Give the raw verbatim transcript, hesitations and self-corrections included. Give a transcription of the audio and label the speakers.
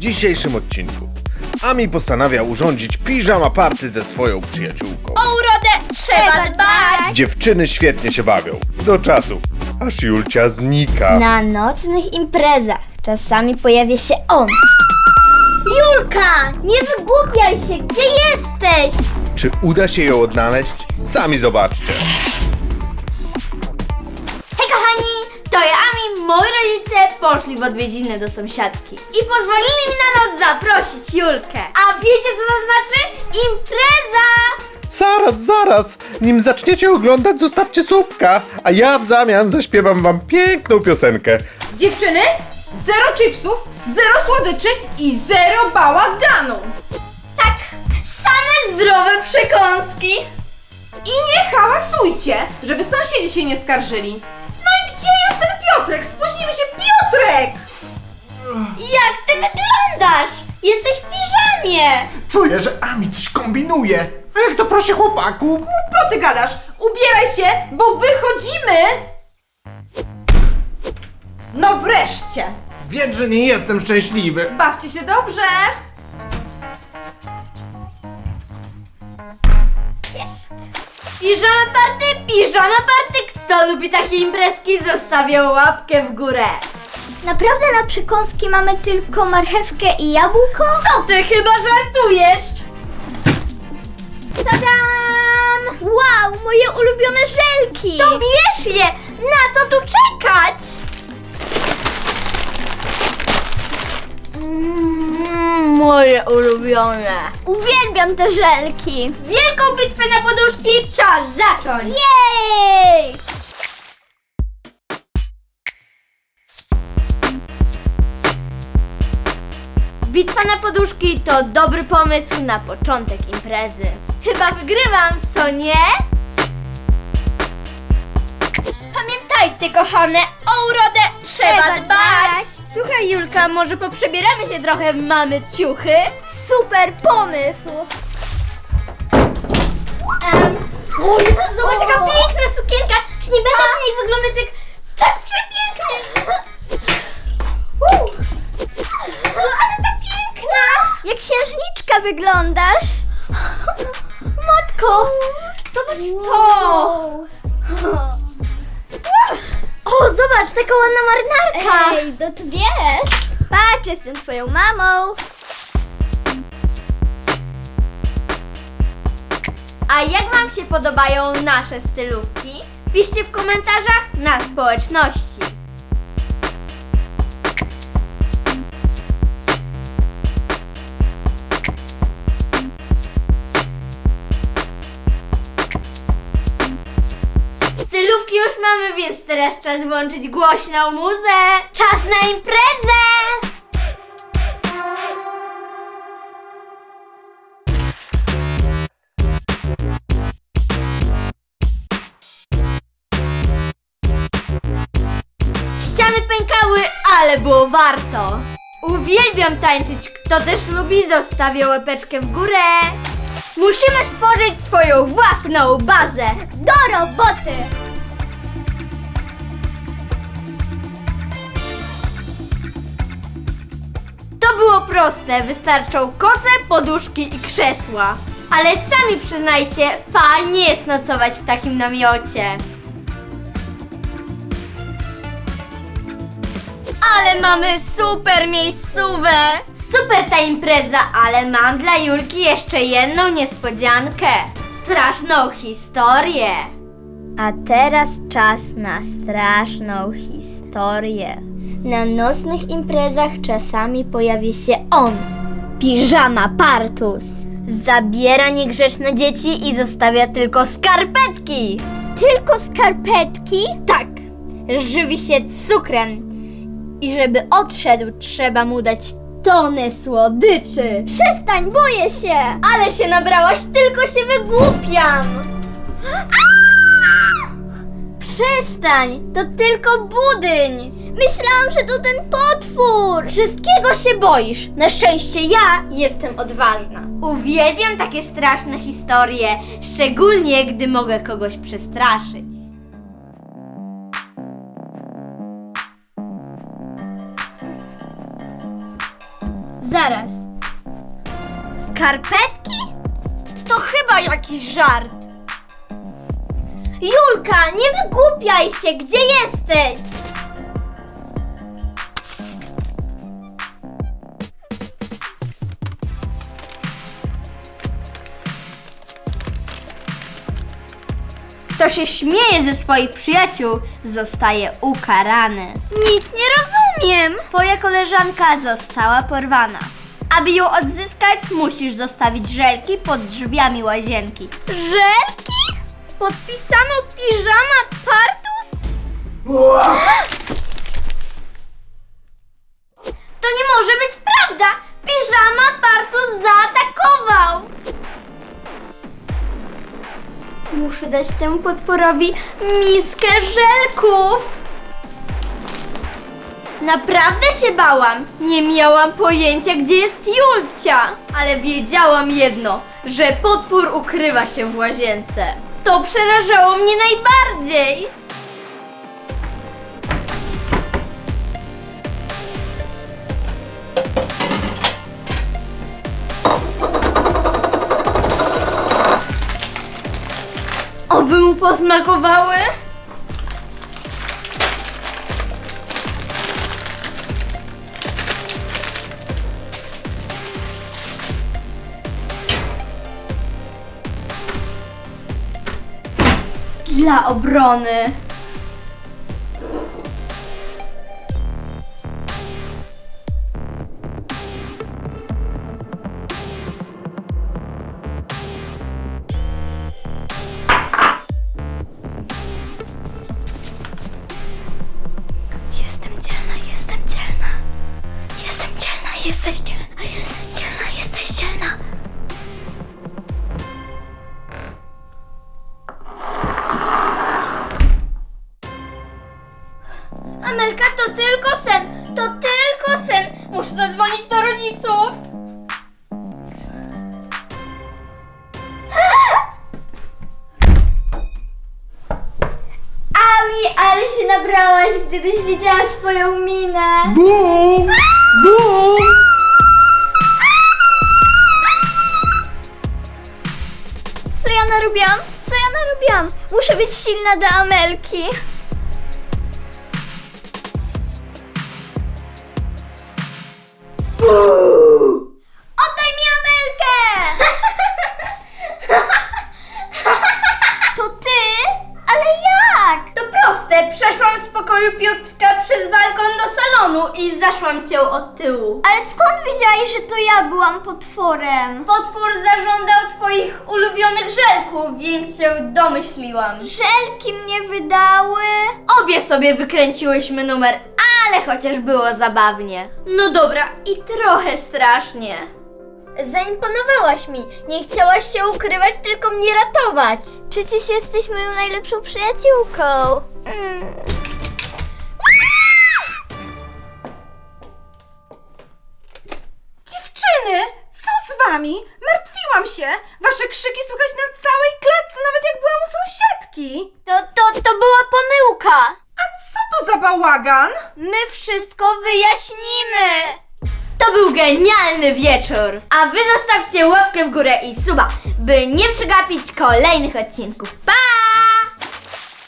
Speaker 1: dzisiejszym odcinku Ami postanawia urządzić piżama party ze swoją przyjaciółką.
Speaker 2: O urodę trzeba dbać!
Speaker 1: Dziewczyny świetnie się bawią, do czasu, aż Julcia znika.
Speaker 3: Na nocnych imprezach czasami pojawia się on. Julka, nie wygłupiaj się, gdzie jesteś?
Speaker 1: Czy uda się ją odnaleźć? Sami zobaczcie.
Speaker 2: Hej kochani, to ja Ami, moi rodzice poszli w odwiedziny do sąsiadki i pozwolili mi na noc zaprosić Julkę. A wiecie co to znaczy? Impreza!
Speaker 1: Zaraz, zaraz, nim zaczniecie oglądać, zostawcie słupka, a ja w zamian zaśpiewam wam piękną piosenkę.
Speaker 4: Dziewczyny, zero chipsów, zero słodyczy i zero bałaganu.
Speaker 2: Tak, same zdrowe przekąski.
Speaker 4: I nie hałasujcie, żeby sąsiedzi się nie skarżyli. No i gdzie jest ten Piotrek? Spóźnimy się, Piotrek!
Speaker 2: Jak ty wyglądasz? Jesteś w piżamie.
Speaker 5: Czuję, że Ami coś kombinuje. A jak zaprosi chłopaków?
Speaker 4: Głupoty gadasz, ubieraj się, bo wychodzimy! No wreszcie!
Speaker 5: Wiedz, że nie jestem szczęśliwy.
Speaker 4: Bawcie się dobrze!
Speaker 2: Piżama party, piżama party. Kto lubi takie imprezki, zostawia łapkę w górę.
Speaker 3: Naprawdę na przekąski mamy tylko marchewkę i jabłko?
Speaker 2: Co ty chyba żartujesz? Tadam!
Speaker 3: Wow, moje ulubione żelki!
Speaker 2: To bierz je! Na co tu czekać? Mm, moje ulubione.
Speaker 3: Uwielbiam te żelki!
Speaker 2: Wielką bitwę na poduszki czas zacząć!
Speaker 3: Jej!
Speaker 2: Bitwa na poduszki to dobry pomysł na początek imprezy. Chyba wygrywam, co nie? Pamiętajcie, kochane, o urodę trzeba,
Speaker 3: Trzeba
Speaker 2: dbać.
Speaker 3: dbać.
Speaker 2: Słuchaj, Julka, może poprzebieramy się trochę w mamy ciuchy?
Speaker 3: Super pomysł!
Speaker 2: Um, Uj, zobacz, jaka piękna sukienka! Czy nie będę w niej wyglądać jak tak przepięknie? Uh. No, ale ta piękna!
Speaker 3: Jak księżniczka wyglądasz!
Speaker 2: Matko, zobacz to! O, zobacz, taka ładna marynarka!
Speaker 3: Ej, no to wiesz! Patrz, jestem twoją mamą!
Speaker 2: A jak wam się podobają nasze stylówki? Piszcie w komentarzach na społeczności. Stylówki już mamy, więc teraz czas włączyć głośną muzę. Czas na imprezę! Ściany pękały, ale było warto. Uwielbiam tańczyć. Kto też lubi, zostawia łapeczkę w górę. Musimy stworzyć swoją własną bazę.
Speaker 3: Do roboty!
Speaker 2: To było proste. Wystarczą koce, poduszki i krzesła. Ale sami przyznajcie, fajnie jest nocować w takim namiocie. Ale mamy super miejscówę! Super ta impreza, ale mam dla Julki jeszcze jedną niespodziankę. Straszną historię.
Speaker 3: A teraz czas na straszną historię. Na nocnych imprezach czasami pojawia się on. Piżama Partus.
Speaker 2: Zabiera niegrzeczne dzieci i zostawia tylko skarpetki.
Speaker 3: Tylko skarpetki?
Speaker 2: Tak, żywi się cukrem. I żeby odszedł, trzeba mu dać tonę słodyczy.
Speaker 3: Przestań, boję się!
Speaker 2: Ale się nabrałaś, tylko się wygłupiam. Przestań, to tylko budyń.
Speaker 3: Myślałam, że to ten potwór!
Speaker 2: Wszystkiego się boisz. Na szczęście ja jestem odważna. Uwielbiam takie straszne historie, szczególnie gdy mogę kogoś przestraszyć.
Speaker 3: Zaraz. Skarpetki? To chyba jakiś żart. Julka, nie wygłupiaj się, gdzie jesteś?
Speaker 2: Kto się śmieje ze swoich przyjaciół, zostaje ukarany. Nic nie rozumiem! Twoja koleżanka została porwana. Aby ją odzyskać, musisz zostawić żelki pod drzwiami łazienki. Żelki? Podpisano piżama partus? To nie może być prawda! Piżama partus zaatakował! Muszę dać temu potworowi miskę żelków. Naprawdę się bałam. Nie miałam pojęcia, gdzie jest Julcia. Ale wiedziałam jedno, że potwór ukrywa się w łazience. To przerażało mnie najbardziej. Oby mu posmakowały? Dla obrony. Jestem dzielna, jestem dzielna. Jestem dzielna, jesteś dzielna, jesteś dzielna, jesteś dzielna. Amelka, to tylko sen, to tylko sen. Muszę zadzwonić do rodziców.
Speaker 3: Ami, ale się nabrałaś, gdybyś widziała swoją minę.
Speaker 5: Bum! Bum!
Speaker 3: Co ja narobiłam? Co ja narobiłam? Muszę być silna do Amelki. Oddaj mi Amelkę! To ty? Ale jak?
Speaker 2: To proste, przeszłam z pokoju Piotrka przez balkon do salonu i zaszłam cię od tyłu.
Speaker 3: Ale skąd wiedziałeś, że to ja byłam potworem?
Speaker 2: Potwór zażądał twoich ulubionych żelków, więc się domyśliłam.
Speaker 3: Żelki mnie wydały.
Speaker 2: Obie sobie wykręciłyśmy numer, ale chociaż było zabawnie. No dobra, i trochę strasznie.
Speaker 3: Zaimponowałaś mi. Nie chciałaś się ukrywać, tylko mnie ratować. Przecież jesteś moją najlepszą przyjaciółką. Mm.
Speaker 4: Dziewczyny, co z wami? Martwiłam się. Wasze krzyki słychać na całej klatce, nawet jak byłam u sąsiadki.
Speaker 3: To, to, to była pomyłka.
Speaker 4: A co to za bałagan?
Speaker 2: My wszystko wyjaśnimy. To był genialny wieczór. A wy zostawcie łapkę w górę i suba, by nie przegapić kolejnych odcinków. Pa!